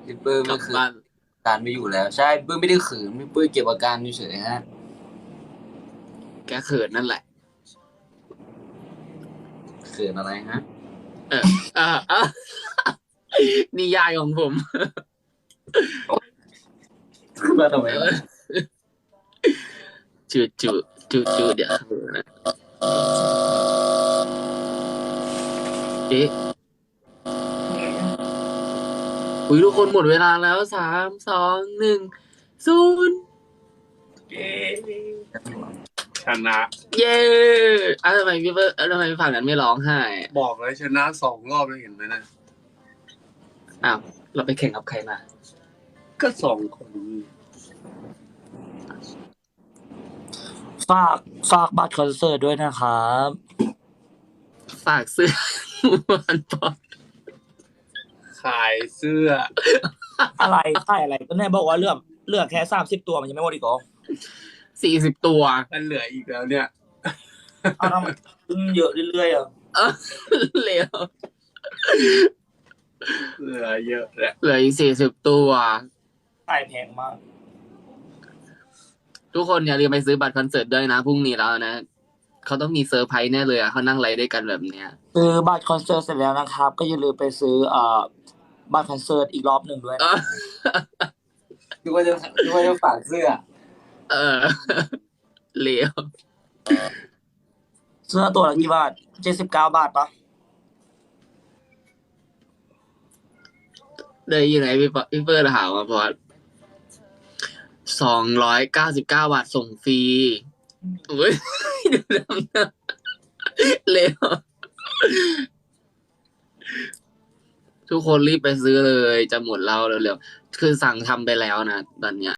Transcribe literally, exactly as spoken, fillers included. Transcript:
พี่ปื้มกลัไม่คือบบ้านการไม่อยู่แล้วใช่พี่ปื้มไม่ได้ขืนพี่ปื้มเก็บอาการเฉยๆฮะแกเขินนั่นแหละขืนอะไรฮะเออเออเออนิยายของผมมาทำไมวะเออจูจูจูจูเดี๋ยวเขินนะเอ๊ะอุ้ยทุกคนหมดเวลาแล้วสามสองหนึ่งศูนย์เย้ชนะเย้อ่ะทำไมพี่เบิร์ดทำไมฝั่งนั้นไม่ร้องไห้บอกเลยชนะสองรอบแล้วเห็นไหมนะอ้าวเราไปแข่งกับใครมาก็สองคนฝากฝากบัตรคอนเสิร์ตด้วยนะครับฝากซื้อวันปอนขายเสื้ออะไรใช่อะไรก็แน่บอกว่าเลือกเลือกแค่สามสิบตัวมันยังไม่หมดอีกเหรอสี่สิบตัวมันเหลืออีกแล้วเนี่ยเอาทำไมขึ้นเยอะเรื่อยๆอ่ะเออเหลือเหลือเยอะแหละเหลืออีกสี่สิบตัวขายแพงมากทุกคนอย่าลืมไปซื้อบัตรคอนเสิร์ตด้วยนะพรุ่งนี้แล้วนะเขาต้องมีเซอร์ไพรส์แน่เลยอ่ะเขานั่งไลฟ์ด้วยกันแบบเนี้ยซื้อบัตรคอนเสิร์ตเสร็จแล้วนะครับ ก็อย่าลืมไปซื้อเอ่อบัตรคอนเสิร์ตอีกรอบหนึ่งด้วยเอนะอดูว่าจะดูว่าจะฝากเสื้อเออเหลวเสื้อตัวละกี่บาทเจ็ดสิบเก้าบาทปะเลยอยู่ไหนพี่ปอพี่เฟิร์นถามมาพอสองร้อยเก้าสิบเก้าบาทส่งฟรีอุ้ยดูน้ำหน้าเหลวทุกคนรีบไปซื้อเลยจะหมดแล้วเร็วๆคือสั่งทำไปแล้วนะตอนเนี้ย